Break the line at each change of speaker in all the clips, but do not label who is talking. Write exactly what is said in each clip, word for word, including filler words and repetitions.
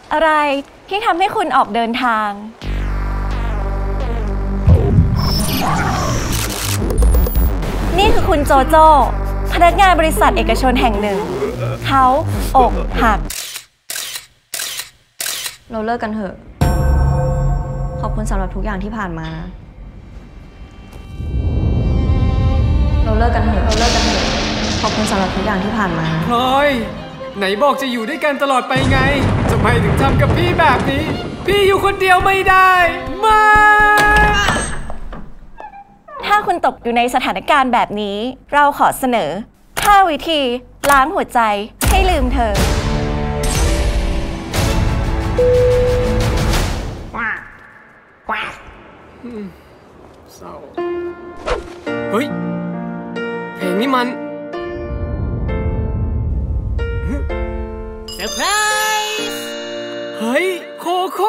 อะไรที่ทำให้คุณออกเดินทางนี่คือคุณโจโจ้พนักงานบริษัทเอกชนแห่งหนึ่งเขาอกหัก
เราเลิกกันเถอะขอบคุณสำหรับทุกอย่างที่ผ่านมานะเราเลิกกันเถอะเราเลิกกันเถอะขอบคุณสำหรับทุกอย่างที่ผ่านมา
พลอยไหนบอกจะอยู่ด้วยกันตลอดไปไงทำไมถึงทำกับพี่แบบนี้พี่อยู่คนเดียวไม่ได้ไม่
ถ้าคุณตกอยู่ในสถานการณ์แบบนี้เราขอเสนอห้าวิธีล้างหัวใจให้ลืมเธอ
เศร้าเฮ้ยเพลงนี้มันเซอร์ไพรส์เฮ้ยโคโค่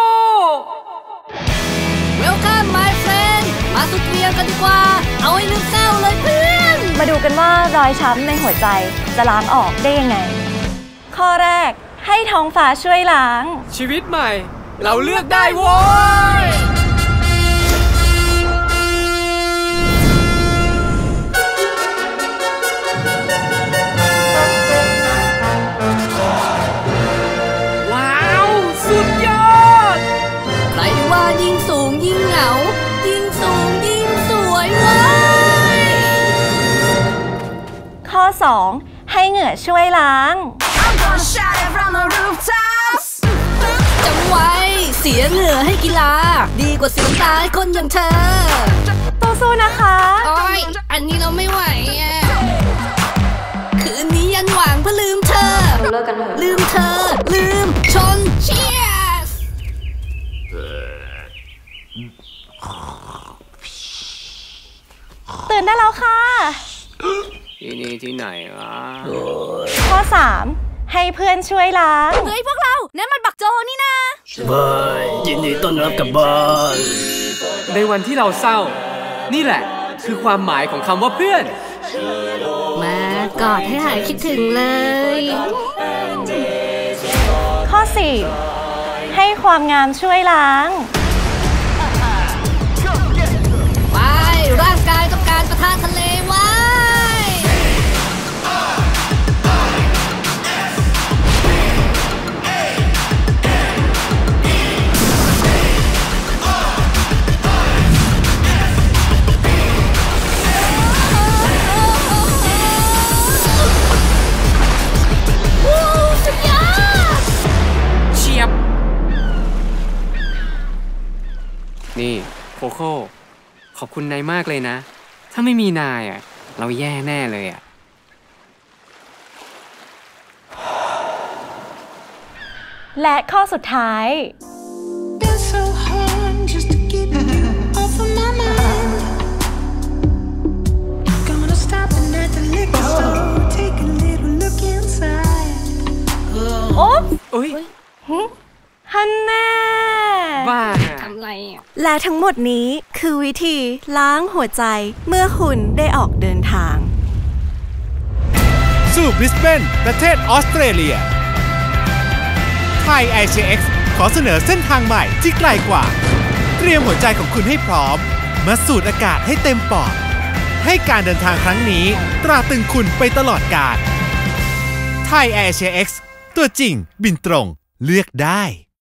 Welcome my friend มาสุดเรียงกันดีกว่าเอาให้ลืมเศร้าเลยเพื่อน
มาดูกันว่ารอยช้ำในหัวใจจะล้างออกได้ยังไงข้อแรกให้ท้องฟ้าช่วยล้าง
ชีวิตใหม่เราเลือกได้โว้ยว้าวสุดยอด
ใครว่ายิ่งสูงยิ่งเหงายิ่งสูงยิ่งสวยเว้ย
ข้อสองให้เหงื่อช่วยล้าง
จำไว้เสียเหงื่อให้กีฬาดีกว่าเสียตายคนอย่างเธอ
สู้ๆนะคะ
โอ้ยอันนี้เราไม่ไหวอ่ะคืนนี้ยันหวังเพื่อลืมเธอ
เราเลิกกันเถอะ
ลืมเธอลืมชนเชียร์
ตื่นได้แล้วค่ะ
ที่นี่ที่ไหนวะ
ข้อสามให้เพื่อนช่วยล้าง
เฮ้ยพวกเรานั่นมันบักโจนี่นะ
บายยินดีต้อนรับกลับบ้าน
ในวันที่เราเศร้านี่แหละคือความหมายของคำว่าเพื่อน
มากอดให้หายคิดถึงเลย
ข้อสี่ให้ความงามช่วยล้าง
ไปร่างกายต้องการประทานทะเลไว้
นี่โคโค่ขอบคุณนายมากเลยนะถ้าไม่มีนายอ่ะเราแย่แน่เลยอ่ะ
และข้อสุดท้ายโอ๊บ
อุ๊ย
ฮันแน่
บ้า
ทำไรอ่ะ
และทั้งหมดนี้คือวิธีล้างหัวใจเมื่อคุณได้ออกเดินทาง
สู่บริสเบนประเทศออสเตรเลียไทย ไอ ซี เอ็กซ์ ขอเสนอเส้นทางใหม่ที่ไกลกว่าเตรียมหัวใจของคุณให้พร้อมมาสูดอากาศให้เต็มปอดให้การเดินทางครั้งนี้ตราตรึงคุณไปตลอดกาลไทย ไอ ซี เอ็กซ์ ตัวจริงบินตรงเลือกได้